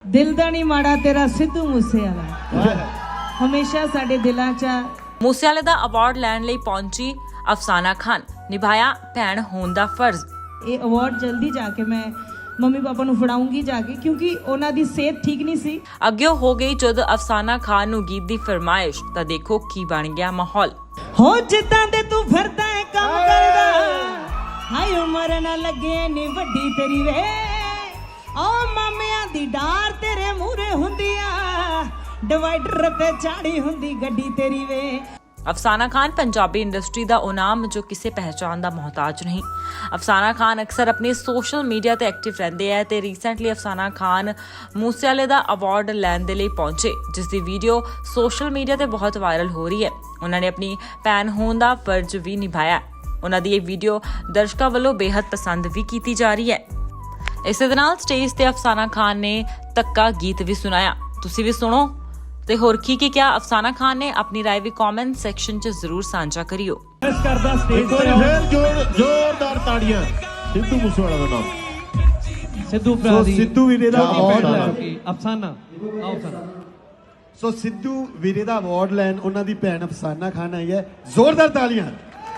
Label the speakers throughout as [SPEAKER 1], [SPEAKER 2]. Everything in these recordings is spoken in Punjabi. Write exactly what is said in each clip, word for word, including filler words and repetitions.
[SPEAKER 1] ਦਿਲ ਦਾ ਨਹੀਂ ਮਾੜਾ ਤੇਰਾ ਸਿੱਧੂ ਮੂਸੇਵਾਲਾ ਹਮੇਸ਼ਾ ਸਾਡੇ ਦਿਲਾਂ 'ਚ।
[SPEAKER 2] ਮੂਸੇਵਾਲੇ ਦਾ ਅਵਾਰਡ ਲੈਣ ਲਈ ਪਹੁੰਚੀ ਅਫਸਾਨਾ ਖਾਨ, ਨਿਭਾਇਆ ਭੈਣ ਹੋਣ ਦਾ ਫਰਜ਼।
[SPEAKER 1] ਇਹ ਅਵਾਰਡ ਜਲਦੀ ਜਾ ਕੇ ਮੈਂ ਮੰਮੀ ਪਾਪਾ ਨੂੰ ਫੜਾਉਂਗੀ ਜਾ ਕੇ, ਕਿਉਂਕਿ ਉਹਨਾਂ ਦੀ ਸਿਹਤ ਠੀਕ ਨਹੀਂ ਸੀ।
[SPEAKER 2] ਅੱਗੇ ਹੋ ਗਈ ਜਦ ਅਫਸਾਨਾ ਖਾਨ ਨੂੰ ਗੀਤ ਦੀ ਫਰਮਾਇਸ਼, ਤਾਂ ਦੇਖੋ ਕੀ ਬਣ ਗਿਆ ਮਾਹੌਲ।
[SPEAKER 1] ਹੋ ਜਿੱਦਾਂ ਦੇ ਤੂੰ ਫਿਰਦਾ ਹੈ ਕੰਮ ਕਰਦਾ, ਹਾਏ ਉਮਰ ਨਾ ਲੱਗੇ ਨੀ ਵੱਡੀ ਤੇਰੀ ਵੇ, ਓ ਮਾਮਿਆਂ ਦੀ ਡਾਰ ਤੇਰੇ ਮੂਹਰੇ ਹੁੰਦੀ ਆ, ਡਿਵਾਈਡਰ ਤੇ ਚਾੜੀ ਹੁੰਦੀ ਗੱਡੀ ਤੇਰੀ ਵੇ।
[SPEAKER 2] ਅਫਸਾਨਾ ਖਾਨ ਪੰਜਾਬੀ ਇੰਡਸਟਰੀ ਦਾ ਉਹ ਨਾਮ ਜੋ ਕਿਸੇ ਪਹਿਚਾਣ ਦਾ ਮੁਹਤਾਜ ਨਹੀਂ। ਅਫਸਾਨਾ ਖਾਨ ਅਕਸਰ ਆਪਣੇ ਸੋਸ਼ਲ ਮੀਡੀਆ ਤੇ ਐਕਟਿਵ ਰਹਿੰਦੇ ਹੈ ਤੇ ਰੀਸੈਂਟਲੀ ਅਫਸਾਨਾ ਖਾਨ ਮੂਸੇਵਾਲੇ ਦਾ ਅਵਾਰਡ ਲੈਣ ਦੇ ਲਈ ਪਹੁੰਚੇ, ਜਿਸ ਦੀ ਵੀਡੀਓ ਸੋਸ਼ਲ ਮੀਡੀਆ ਤੇ ਬਹੁਤ ਵਾਇਰਲ ਹੋ ਰਹੀ ਹੈ। ਉਹਨਾਂ ਨੇ ਆਪਣੀ ਭੈਣ ਹੋਣ ਦਾ ਫਰਜ਼ ਵੀ ਨਿਭਾਇਆ। ਉਹਨਾਂ ਦੀ ਇਹ ਵੀਡੀਓ ਦਰਸ਼ਕਾਂ ਵੱਲੋਂ ਬੇहद ਪਸੰਦ ਵੀ ਕੀਤੀ ਜਾ ਰਹੀ ਹੈ। ਇਸੇ ਦੇ ਨਾਲ ਸਟੇਜ ਤੇ ਅਫਸਾਨਾ ਖਾਨ ਨੇ ਤੱਕਾ ਗੀਤ ਵੀ ਸੁਣਾਇਆ। ਤੁਸੀਂ ਵੀ ਸੁਣੋ ਤੇ ਹੋਰ ਕੀ ਕੀ ਕਿਹਾ ਅਫਸਾਨਾ ਖਾਨ ਨੇ, ਆਪਣੀ ਰਾਏ ਵੀ ਕਮੈਂਟ ਸੈਕਸ਼ਨ 'ਚ ਜ਼ਰੂਰ ਸਾਂਝਾ ਕਰਿਓ।
[SPEAKER 3] ਇਸ ਕਰਦਾ ਸਟੇਜ ਤੇ
[SPEAKER 4] ਫੇਰ ਜੋਰ ਜ਼ੋਰਦਾਰ ਤਾੜੀਆਂ ਸਿੱਧੂ ਮੂਸੇਵਾਲਾ ਦਾ ਨਾਮ।
[SPEAKER 3] ਸਿੱਧੂ ਭਰਾ ਦੀ
[SPEAKER 4] ਸਿੱਧੂ ਵੀਰੇ ਦਾ ਅਵਾਰਡ ਲੈਣ
[SPEAKER 3] ਅਫਸਾਨਾ ਆਓ ਅਫਸਾਨਾ
[SPEAKER 4] ਸੋ ਸਿੱਧੂ ਵੀਰੇ ਦਾ ਅਵਾਰਡ ਲੈਣ ਉਹਨਾਂ ਦੀ ਭੈਣ ਅਫਸਾਨਾ ਖਾਨ ਆਈ ਹੈ। ਜ਼ੋਰਦਾਰ ਤਾਲੀਆਂ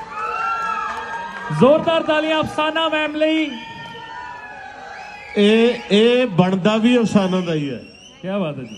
[SPEAKER 3] ਜ਼ੋਰਦਾਰ ਤਾਲੀਆਂ ਅਫਸਾਨਾ ਮੈਮ ਲਈ।
[SPEAKER 4] ਇਹ ਇਹ ਬਣਦਾ ਵੀ ਅਫਸਾਨਾ ਦਾ ਹੀ ਹੈ।
[SPEAKER 3] ਕੀ ਬਾਤ ਹੈ ਜੀ।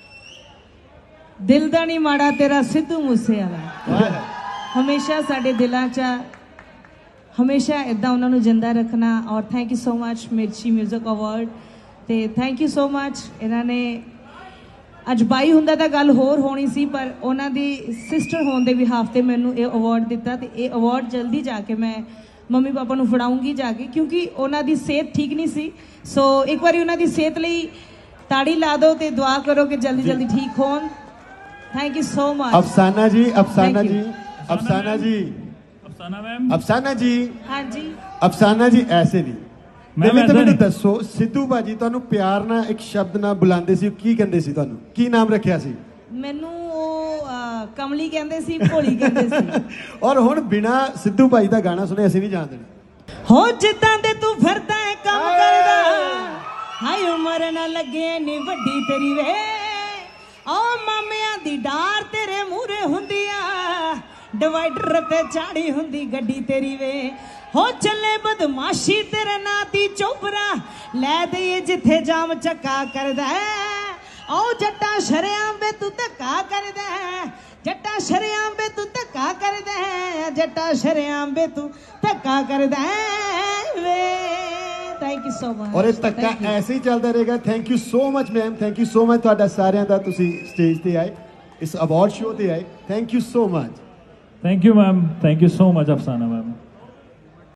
[SPEAKER 1] ਦਿਲ ਦਾ ਨਹੀਂ ਮਾੜਾ ਤੇਰਾ ਸਿੱਧੂ ਮੂਸੇਵਾਲਾ ਹਮੇਸ਼ਾ ਸਾਡੇ ਦਿਲਾਂ 'ਚ, ਹਮੇਸ਼ਾ ਇਦਾਂ ਉਹਨਾਂ ਨੂੰ ਜਿੰਦਾ ਰੱਖਣਾ। ਔਰ thank you so much Mirchi music award, ਤੇ ਥੈਂਕ ਯੂ ਸੋ ਮਚ। ਇਹਨਾਂ ਨੇ ਅੱਜ ਬਾਈ ਹੁੰਦਾ ਤਾਂ ਗੱਲ ਹੋਰ ਹੋਣੀ ਸੀ, ਪਰ ਉਹਨਾਂ ਦੀ ਸਿਸਟਰ ਹੋਣ ਦੇ ਬਿਹਾਫ ਤੇ ਮੈਨੂੰ ਇਹ ਅਵਾਰਡ ਦਿੱਤਾ, ਤੇ ਇਹ ਅਵਾਰਡ ਜਲਦੀ ਜਾ ਕੇ ਮੈਂ ਮੰਮੀ ਪਾਪਾ ਨੂੰ ਫੜਾਉਂਗੀ ਜਾ ਕੇ, ਕਿਉਂਕਿ ਉਹਨਾਂ ਦੀ ਸਿਹਤ ਠੀਕ ਨਹੀਂ ਸੀ। ਸੋ ਇੱਕ ਵਾਰੀ ਉਹਨਾਂ ਦੀ ਸਿਹਤ ਲਈ ਤਾੜੀ ਲਾ ਦਿਓ ਤੇ ਦੁਆ ਕਰੋ ਕਿ ਜਲਦੀ ਜਲਦੀ ਠੀਕ ਹੋਣ। थैंक यू सो मच
[SPEAKER 4] अफसाना जी, अफसाना जी, अफसाना जी,
[SPEAKER 3] ਅਫਸਾਨਾ ਮੈਮ।
[SPEAKER 4] अफसाना जी,
[SPEAKER 1] हाँ जी,
[SPEAKER 4] अफसाना जी ऐसे नहीं।
[SPEAKER 3] ਮੈਂ
[SPEAKER 4] ਮੈਨੂੰ
[SPEAKER 3] ਵੈਸੇ ਨਹੀਂ।
[SPEAKER 4] ਦੱਸੋ ਸਿੱਧੂ ਭਾਜੀ ਤੁਹਾਨੂੰ ਪਿਆਰ ਨਾਲ ਇੱਕ ਸ਼ਬਦ ਨਾਲ ਬੁਲਾਉਂਦੇ ਸੀ, ਕੀ ਕਹਿੰਦੇ ਸੀ ਤੁਹਾਨੂੰ, ਕੀ ਨਾਮ ਰੱਖਿਆ ਸੀ?
[SPEAKER 1] ਮੈਨੂੰ ਉਹ ਅਹ, ਕਮਲੀ ਕਹਿੰਦੇ ਸੀ, ਭੋਲੀ ਕਹਿੰਦੇ ਸੀ।
[SPEAKER 4] ਔਰ ਹੁਣ ਬਿਨਾ ਸਿੱਧੂ ਭਾਜੀ ਦਾ ਗਾਣਾ ਸੁਣੇ ਅਸੀਂ ਨਹੀਂ ਜਾਣ ਦੇਣਾ।
[SPEAKER 1] ਹੋ ਜਿੱਦਾਂ ਦੇ ਤੂੰ ਫਿਰਦਾ ਹੈ ਕੰਮ ਕਰਦਾ, ਹਾਏ ਉਮਰ ਨਾ ਲੱਗੇ ਨੀ ਵੱਡੀ ਤੇਰੀ ਵੇ, ਓ ਮਾਮਿਆਂ ਦੀ ਡਾਰ ਤੇਰੇ ਮੂਹਰੇ ਹੁੰਦੀ ਆ, ਡਿਵਾਈਡਰ ਤੇ ਚਾੜੀ ਹੁੰਦੀ ਗੱਡੀ ਤੇਰੀ ਵੇ। ਹੋ ਚੱਲੇ ਬਦਮਾਸ਼ੀ ਤੇਰੇ ਨਾਂ ਦੀ ਚੋਬਰਾ, ਲੈ ਦਈਏ ਜਿੱਥੇ ਜਾਮ ਚੱਕਾ ਕਰਦਾ, ਓ ਜੱਟਾ ਸ਼ਰਿਆਂ ਵੇ ਤੂੰ ਧੱਕਾ ਕਰਦਾ, ਜੱਟਾ ਸ਼ਰਿਆਂ ਵੇ ਤੂੰ ਧੱਕਾ ਕਰਦਾ, ਜੱਟਾ ਸ਼ਰਿਆਂ ਵੇ ਤੂੰ ਧੱਕਾ ਕਰਦਾ ਵੇ। Thank you so much.
[SPEAKER 4] ਔਰ ਇਹ ਧੱਕਾ ਐਸੇ ਹੀ ਚੱਲਦਾ ਰਹੇਗਾ। Thank you so much ma'am, thank you so much ਤੁਹਾਡਾ ਸਾਰਿਆਂ ਦਾ, ਤੁਸੀਂ ਸਟੇਜ ਤੇ ਆਏ, ਇਸ ਅਵਾਰਡ ਸ਼ੋਅ ਤੇ ਆਏ। Thank you so much.
[SPEAKER 3] Thank you ma'am, thank you so much Afsana ma'am.